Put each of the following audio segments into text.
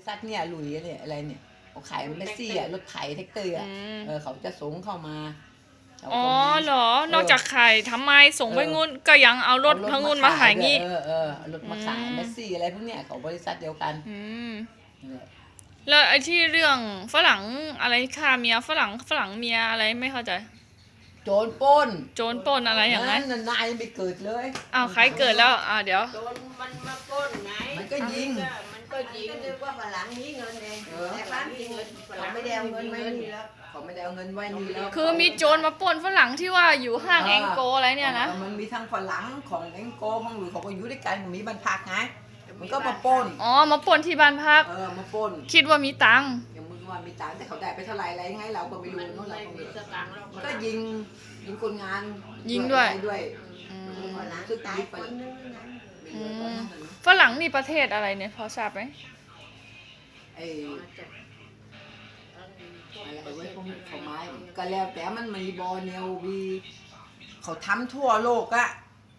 ษัทเนี่ยลุยเนี่ยอะไรเนี่ยเขาขายเมสซี่รถไถแท็กเตอร์เขาจะส่งเข้ามาอ๋อเหรอนอกจากขายทำไมส่งไปงุ่นก็ยังเอารถพงุ่นมาขายงี้รถมาขายเมสซี่อะไรพวกเนี้ยของบริษัทเดียวกันแล้วไอ้ที่เรื่องฝรั่งอะไรฆ่าเมียฝรั่งเมียอะไรไม่เข้าใจโจรปล้นอะไรอย่างนั้นนายไม่เกิดเลยอ้าวใครเกิดแล้วเดี๋ยวโจรมันมาปล้นไงมันก็ยิงก็นึกว่าฝรั่งมีเงินเองแต่บ้านมีเงินฝรั่งไม่ได้เอาเงินไว้นี่แล้วเขาไม่ได้เอาเงินไว้นี่แล้วคือมีโจรมาปล้นฝรั่งที่ว่าอยู่ห้างแองโกอะไรเนี่ยนะมันมีทั้งฝรั่งของแองโกของหรือเขาก็อยู่ด้วยกันมีบ้านพักไงมันก็มาปล้นมาปล้นที่บ้านพักมาปล้นคิดว่ามีตังค์ยังมึงว่ามีตังค์แต่เขาได้ไปเท่าไหร่อะไรไงเราก็ไม่รู้นู่นเราก็ไม่รู้ก็ยิงคนงานยิงด้วยซึ่งตายไปฝรั่งนี่ประเทศอะไรเนี่ยพอทราบไหมอะไรไว้พวกเขาไม้ก็แล้วแต่มันมีบอลเนลวีเขาทำทั่วโลกอะ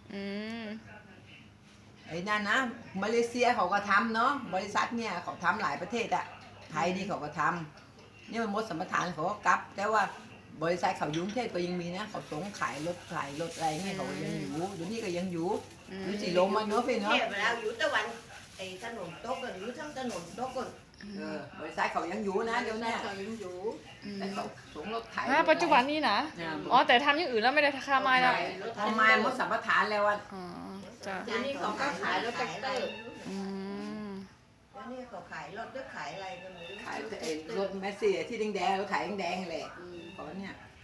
ไอ้นั่นนะมาเลเซียเขาก็ทำเนาะบริษัทเนี่ยเขาทำหลายประเทศอะไทยนี่เขาก็ทำนี่มันมดสัมปทานเขาก็กลับแต่ว่าบริษัทเขายุ่งเทพก็ยังมีนะเขาส่งขายรถอะไรเงี้ยเขายังอยู่เดี๋ยวนี้ก็ยังอยู่สีลมมาเนาะพี่เนาะเวลาอยู่ตะวันไอ้ถนนโต๊ะกันอยู่ทั้งถนนโต๊ะกันบริษัทเขายังอยู่นะเดี๋ยวนี้เขายังอยู่แต่เขาส่งรถไถปัจจุบันนี้นะแต่ทำอย่างอื่นแล้วไม่ได้ค่าไม้แล้วทำไมมดสัมปทานแล้วอ่ะเดี๋ยวนี้เขาก็ขายรถแท็กเตอร์เดี๋ยวนี้เขาขายรถด้วยขายอะไรกันเลยขายรถแมสซี่ที่แดงๆรถไถแดงๆแหละตอนเนี้ย